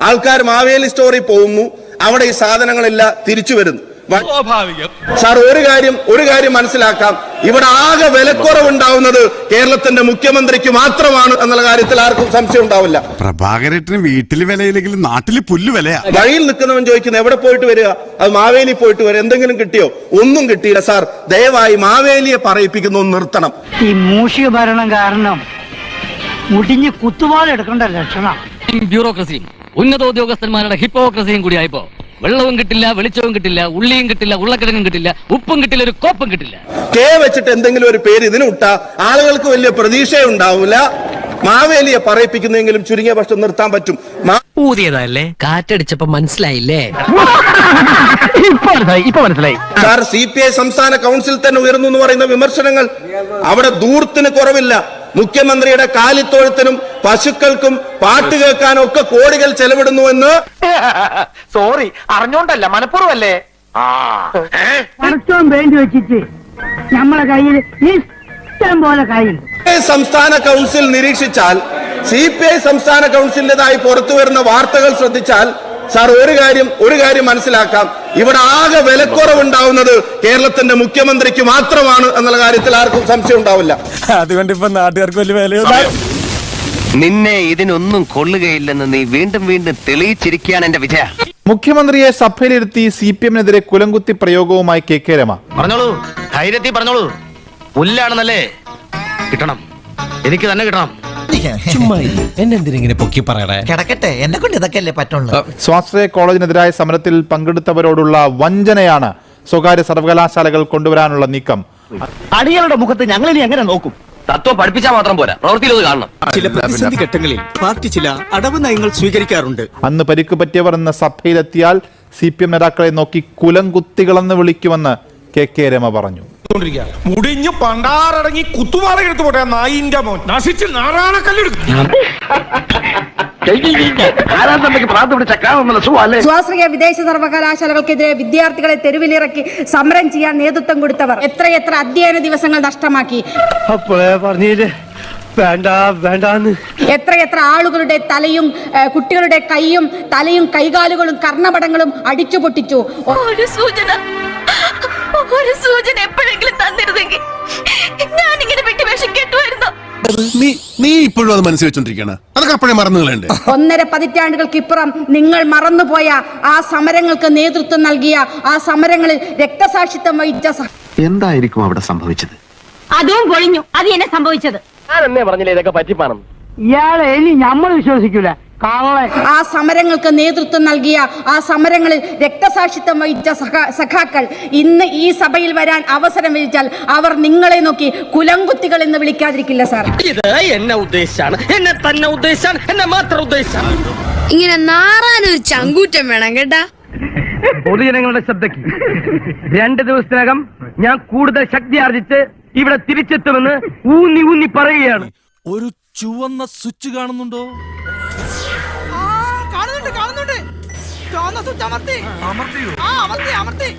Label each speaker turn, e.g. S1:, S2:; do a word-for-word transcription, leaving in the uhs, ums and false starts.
S1: ആൾക്കാർ മാവേലി സ്റ്റോറിൽ പോകുന്നു, അവിടെ ഈ സാധനങ്ങളെല്ലാം തിരിച്ചു വരുന്നു. സാർ, ഒരു കാര്യം ഒരു കാര്യം മനസ്സിലാക്കാം, ഇവിടെ ആകെ വിലക്കുറവുണ്ടാവുന്നത് കേരളത്തിന്റെ മുഖ്യമന്ത്രിക്ക് മാത്രമാണ് എന്നുള്ള കാര്യത്തിൽ ആർക്കും സംശയം ഉണ്ടാവില്ല.
S2: പ്രഭാകരേട്ടന് വീട്ടിൽ വിലയില്ലെങ്കിലും നാട്ടിൽ പുല്ല് വിലയാ.
S1: വഴിയിൽ നിൽക്കുന്നവൻ ചോദിക്കുന്നത് എവിടെ പോയിട്ട് വരിക, അത് മാവേലി പോയിട്ട് വരിക, എന്തെങ്കിലും കിട്ടിയോ? ഒന്നും കിട്ടിയില്ല. സാർ, ദയവായി മാവേലിയെ പറയിപ്പിക്കുന്ന ഒന്ന് നിർത്തണം.
S3: ഈ മൂഷിക ഭരണം കാരണം മുടിഞ്ഞ് കുത്തുവാളെടുക്കേണ്ട ലക്ഷണം.
S4: ബ്യൂറോക്രസിയും ഉന്നതോദ്യോഗസ്ഥന്മാരുടെ ഹിപ്പോക്രസിയും കൂടി ആയപ്പോ വെള്ളവും കിട്ടില്ല, വെളിച്ചവും കിട്ടില്ല, ഉള്ളിയും കിട്ടില്ല, ഉള്ളക്കിഴങ്ങും കിട്ടില്ല, ഉപ്പും കിട്ടില്ല, ഒരു കോപ്പും കിട്ടില്ല.
S1: കെ വെച്ചിട്ട് എന്തെങ്കിലും ഒരു പേര് ഇതിന് ഇട്ടാ ആളുകൾക്ക് വലിയ പ്രതീക്ഷയുണ്ടാവില്ല. മാവേലിയെ പറയിപ്പിക്കുന്നെങ്കിലും ചുരുങ്ങിയ പക്ഷം നിർത്താൻ പറ്റും.
S5: ഊതിയതല്ലേ, കാറ്റടിച്ചപ്പോ മനസ്സിലായില്ലേ?
S3: ഇപ്പൊ മനസ്സിലായി.
S1: സാർ, സി പി ഐ സംസ്ഥാന കൗൺസിൽ തന്നെ ഉയർന്നു എന്ന് പറയുന്ന വിമർശനങ്ങൾ, അവിടെ ദൂരത്തിന് കുറവില്ല. മുഖ്യമന്ത്രിയുടെ കാലിത്തൊഴുത്തിനും പശുക്കൾക്കും പാട്ട് കേൾക്കാനും ഒക്കെ കോടികൾ ചെലവിടുന്നുവെന്ന്.
S6: സോറി, അറിഞ്ഞോണ്ടല്ല, മനഃപൂർവ്വല്ലേ.
S3: വേണ്ടി വെച്ചിട്ട് നമ്മളെ കയ്യിൽ ഇഷ്ടം പോലെ കയ്യിൽ
S1: സംസ്ഥാന കൗൺസിൽ നിരീക്ഷിച്ചാൽ, സി പി ഐ സംസ്ഥാന കൗൺസിലിന്റേതായി പുറത്തു വരുന്ന വാർത്തകൾ ശ്രദ്ധിച്ചാൽ സാർ, ഒരു കാര്യം ഒരു കാര്യം മനസ്സിലാക്കാം, ഇവിടെ ആകെ വിലക്കുറവുണ്ടാവുന്നത് കേരളത്തിന്റെ മുഖ്യമന്ത്രിക്ക് മാത്രമാണ് എന്നുള്ള കാര്യത്തിൽ ആർക്കും സംശയം ഉണ്ടാവില്ല.
S7: അതുകൊണ്ട് ഇപ്പൊ നാട്ടുകാർക്ക് വലിയ വില.
S8: നിന്നെ ഇതിനൊന്നും കൊള്ളുകയില്ലെന്ന് നീ വീണ്ടും വീണ്ടും തെളിയിച്ചിരിക്കുകയാണ് എന്റെ വിജയ.
S9: മുഖ്യമന്ത്രിയെ സഭയിലിരുത്തി സി പി എമ്മിനെതിരെ കുലംകുത്തി പ്രയോഗവുമായി കെ കെ രമ.
S6: പറഞ്ഞോളൂ, ധൈര്യത്തിൽ പറഞ്ഞോളൂ. പുല്ലാണെന്നല്ലേ, കിട്ടണം, എനിക്ക് തന്നെ കിട്ടണം.
S5: എന്നെന്തിനെ പൊക്കി പറയണേ?
S7: കിടക്കട്ടെ, എന്നെ കൊണ്ട് ഇതൊക്കെയല്ലേ പറ്റുള്ളൂ.
S9: സ്വാശ്രയ കോളേജിനെതിരായ സമരത്തിൽ പങ്കെടുത്തവരോടുള്ള വഞ്ചനയാണ് സ്വകാര്യ സർവകലാശാലകൾ കൊണ്ടുവരാനുള്ള നീക്കം.
S3: അടികളുടെ മുഖത്ത് ഞങ്ങൾ ഇനി എങ്ങനെ നോക്കും?
S4: തത്വം പഠിപ്പിച്ചാൽ മാത്രം പോരാ, പ്രവൃത്തിയിലത് കാണണം.
S7: ചില പ്രതിസന്ധി ഘട്ടങ്ങളിൽ പാർട്ടി ചില അടവ് നയങ്ങൾ സ്വീകരിക്കാറുണ്ട്.
S9: അന്ന് പരിക്ക് പറ്റിയവർ എന്ന സഭയിലെത്തിയാൽ സി പി എം നേതാക്കളെ നോക്കി കുലംകുത്തികളെന്ന് വിളിക്കുമെന്ന് കെ കെ രമ പറഞ്ഞു.
S7: മുടിഞ്ഞു പണ്ടാറടങ്ങി കുത്തുവാള എടുത്തു പോട്ടെ നായിന്റെ മോൻ നശിച്ച് നാറാണക്കല്ലെടുക്കും.
S10: സ്വാശ്രയ വിദേശ സർവകലാശാലകൾക്കെതിരെ വിദ്യാർത്ഥികളെ തെരുവിലിറക്കി സമരം ചെയ്യാൻ നേതൃത്വം കൊടുത്തവർ എത്രയെത്ര അധ്യയന ദിവസങ്ങൾ നഷ്ടമാക്കി.
S3: വേണ്ട വേണ്ടാന്ന്
S10: എത്രയെത്ര ആളുകളുടെ തലയും കുട്ടികളുടെ കൈയും തലയും കൈകാലുകളും കർണപടങ്ങളും അടിച്ചു പൊട്ടിച്ചു.
S11: ഒരു സൂചന ഒരു സൂചന എപ്പോഴെങ്കിലും തന്നിരുന്നെങ്കിൽ ഞാൻ ഇങ്ങനെ വിട്ടുവേഷം കേട്ടുമായിരുന്നു.
S2: നീ ഇപ്പോഴും അത് മനസ്സിൽ വെച്ചോണ്ടിരിക്കണ, അതൊക്കെ അപ്പോഴേ മറന്നുകളണ്ട്.
S10: ഒന്നര പതിറ്റാണ്ടുകൾക്ക് ഇപ്പുറം നിങ്ങൾ മറന്നുപോയ ആ സമരങ്ങൾക്ക് നേതൃത്വം നൽകിയ, ആ സമരങ്ങളിൽ രക്തസാക്ഷിത്വം വഹിച്ച
S8: എന്തായിരിക്കും അവിടെ സംഭവിച്ചത്?
S11: അതും പൊളിഞ്ഞു. അത് എന്നെ സംഭവിച്ചത്.
S6: ഞാൻ എന്നേ പറഞ്ഞില്ലേ ഇതൊക്കെ പറ്റിപ്പാണെന്ന്.
S3: ഇയാളെ ഇനി നമ്മൾ വിശ്വസിക്കൂല.
S10: ആ സമരങ്ങൾക്ക് നേതൃത്വം നൽകിയ, ആ സമരങ്ങളിൽ രക്തസാക്ഷിത്വം വഹിച്ച സഖാക്കൾ ഇന്ന് ഈ സഭയിൽ വരാൻ അവസരം ലഭിച്ചാൽ അവർ നിങ്ങളെ നോക്കി കുലംകുത്തികൾ എന്ന് വിളിക്കാതിരിക്കില്ല സാർ.
S6: ഇത് എന്നെ ഉദ്ദേശിച്ചാണ്, എന്നെ തന്നെ ഉദ്ദേശിച്ചാണ്, എന്നെ മാത്രം ഉദ്ദേശിച്ചാണ്.
S11: ഇങ്ങനെ നാറാനൊരു ചങ്കൂറ്റം വേണം കേട്ടാ.
S6: പൊതുജനങ്ങളുടെ ശ്രദ്ധയ്ക്ക്, രണ്ട് ദിവസത്തിനകം ഞാൻ കൂടുതൽ ശക്തി ആർജിച്ച് ഇവിടെ തിരിച്ചെത്തുമെന്ന് ഊന്നി ഊന്നി പറയുകയാണ്.
S7: ഒരു ചുവന്ന സ്വിച്ച് കാണുന്നുണ്ടോ? കാണുന്നുണ്ട് കാണുന്നുണ്ട്. ചുവന്ന സ്വിച്ച് അമർത്തി. അമർത്തിയോ? ആ, അമർത്തി അമർത്തി.